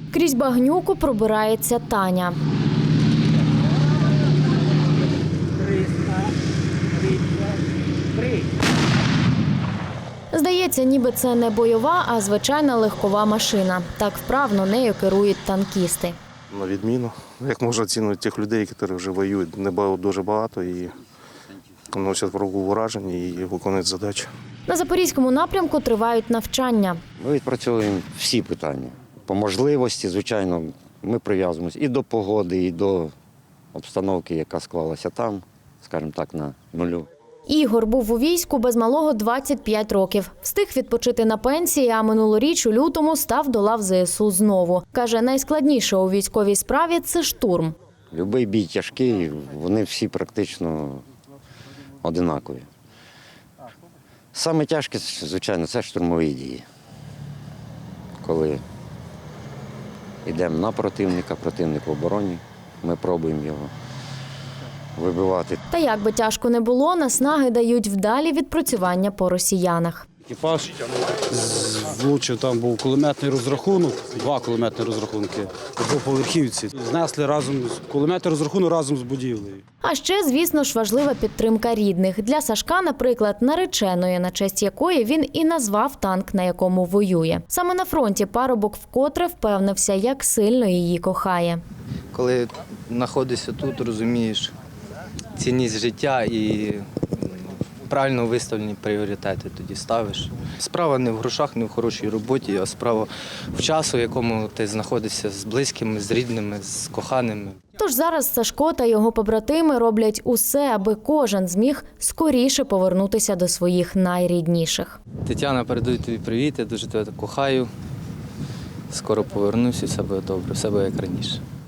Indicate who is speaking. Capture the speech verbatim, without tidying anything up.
Speaker 1: Крізь багнюку пробирається Таня. Здається, ніби це не бойова, а звичайна легкова машина. Так вправно нею керують танкісти.
Speaker 2: На відміну. Як можна оцінити тих людей, які вже воюють, не дуже багато і носять ворогу враження і виконують задачі.
Speaker 1: На Запорізькому напрямку тривають навчання.
Speaker 3: Ми відпрацьовуємо всі питання. По можливості, звичайно, ми прив'язуємося і до погоди, і до обстановки, яка склалася там, скажімо так, на нулю.
Speaker 1: Ігор був у війську без малого двадцять п'ять років. Встиг відпочити на пенсії, а минулоріч у лютому став до лав зе ес у знову. Каже, найскладніше у військовій справі – це штурм.
Speaker 3: Любий бій тяжкий, вони всі практично одинакові. Саме тяжке, звичайно, це штурмові дії. Коли йдемо на противника, противник в обороні, ми пробуємо його вибивати.
Speaker 1: Та як би тяжко не було, наснаги дають вдалі відпрацювання по росіянах.
Speaker 4: Екіпаж влучив, там був кулеметний розрахунок, два кулеметні розрахунки по двоповерхівці. Знесли разом, кулеметний розрахунок разом з будівлею.
Speaker 1: А ще, звісно ж, важлива підтримка рідних. Для Сашка, наприклад, нареченої, на честь якої він і назвав танк, на якому воює. Саме на фронті парубок вкотре впевнився, як сильно її кохає.
Speaker 5: Коли знаходишся тут, розумієш цінність життя і правильно виставлені пріоритети тоді ставиш. Справа не в грошах, не в хорошій роботі, а справа в часу, в якому ти знаходишся з близькими, з рідними, з коханими.
Speaker 1: Тож зараз Сашко та його побратими роблять усе, аби кожен зміг скоріше повернутися до своїх найрідніших.
Speaker 5: Тетяна, передаю тобі привіт, я дуже тебе кохаю. Скоро повернусь і все буде добре, все буде як раніше.